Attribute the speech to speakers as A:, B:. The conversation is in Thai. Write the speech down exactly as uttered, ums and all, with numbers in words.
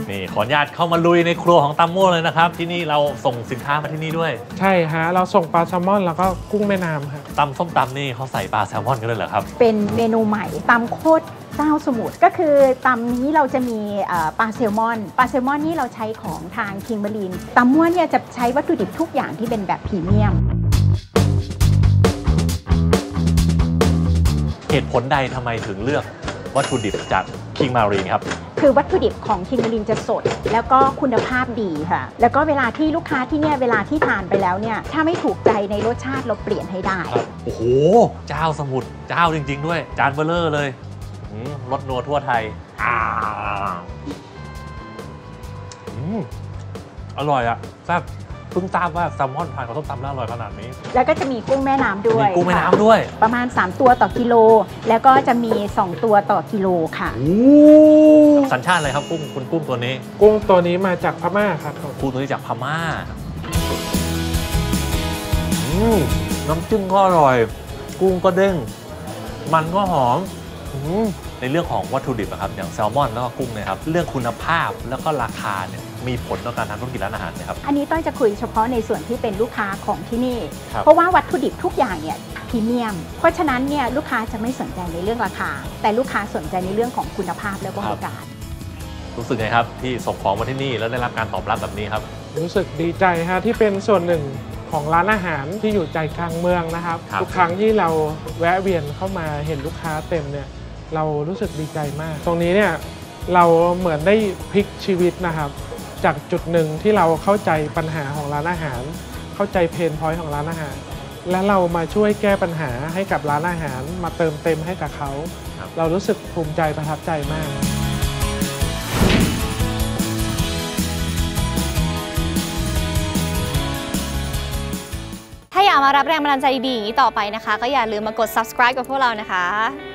A: นี่ขออนุญาตเข้ามาลุยในครัวของตามโม่เลยนะครับที่นี่เราส่งสินค้ามาที่นี่ด้วย
B: ใช่ฮะเราส่งปลาแซลมอนแล้วก็กุ้งแม่น้ำครับ
A: ตำส้มตำนี่เขาใส่ปลาแซลมอนกันเลยเหรอครับ
C: เป็นเมนูใหม่ตำโคตรเจ้าสมุทรก็คือตำนี้เราจะมีปลาแซลมอนปลาแซลมอนนี่เราใช้ของทางคิงเบอรีนตำม้วนเนี่ยจะใช้วัตถุดิบทุกอย่างที่เป็นแบบพรีเมียม
A: เหตุผลใดทำไมถึงเลือกวัตถุดิบจากคิงมารีนครับ
C: คือวัตถุดิบของคิงเบอรีนจะสดแล้วก็คุณภาพดีค่ะแล้วก็เวลาที่ลูกค้าที่เนี่ยเวลาที่ทานไปแล้วเนี่ยถ้าไม่ถูกใจในรสชาติเราเปลี่ยนให้ได้
A: โอ้โหเจ้าสมุทรเจ้าจริงๆด้วยจานเบลเลอร์เลยรสนัวทั่วไทยอ่าอร่อยอะแซ่บเพิ่งทราบว่าแซลมอนทานกับส้มตำแล้วอร่อยขนาดนี้
C: แล้วก็จะมีกุ้งแม่น้ำด้วย
A: มีกุ้งแม่น้ำด้วย
C: ประมาณสามตัวต่อกิโลแล้วก็จะมีสองตัวต่อกิโลค่ะ
A: สัญชาติอะไรครับกุ้งคุณกุ้งตัวนี้
B: กุ้งตัวนี้มาจากพม่าครับ
A: กุ้งตัวนี้จากพม่าน้ำจิ้มก็อร่อยกุ้งก็เด้งมันก็หอมในเรื่องของวัตถุดิบนะครับอย่างแซลมอนแล้วก็กุ้งเนี่ยครับเรื่องคุณภาพแล้วก็ราคาเนี่ยมีผลต่อการทำธุรกิจร้านอาหารไหมครับ
C: อันนี้ต้อยจะคุยเฉพาะในส่วนที่เป็นลูกค้าของที่นี่เพราะว่าวัตถุดิบทุกอย่างเนี่ยพรีเมียมเพราะฉะนั้นเนี่ยลูกค้าจะไม่สนใจในเรื่องราคาแต่ลูกค้าสนใจในเรื่องของคุณภาพและบริการ
A: รู้สึกไงครับที่ส่งของมาที่นี่แล้วได้รับการตอบรับแบบนี้ครับ
B: รู้สึกดีใจฮะที่เป็นส่วนหนึ่งของร้านอาหารที่อยู่ใจกลางเมืองนะครับทุกครั้งที่เราแวะเวียนเข้ามาเห็นลูกค้าเต็มเนี่ยเรารู้สึกดีใจมากตรงนี้เนี่ยเราเหมือนได้พลิกชีวิตนะครับจากจุดหนึ่งที่เราเข้าใจปัญหาของร้านอาหารเข้าใจเพนพอยต์ของร้านอาหารและเรามาช่วยแก้ปัญหาให้กับร้านอาหารมาเติมเต็มให้กับเขาเรารู้สึกภูมิใจประทับใจมาก
D: ถ้าอยากมารับแรงบันดาลใจดีๆต่อไปนะคะก็อย่าลืมมากด ซับสไครบ์ กับพวกเรานะคะ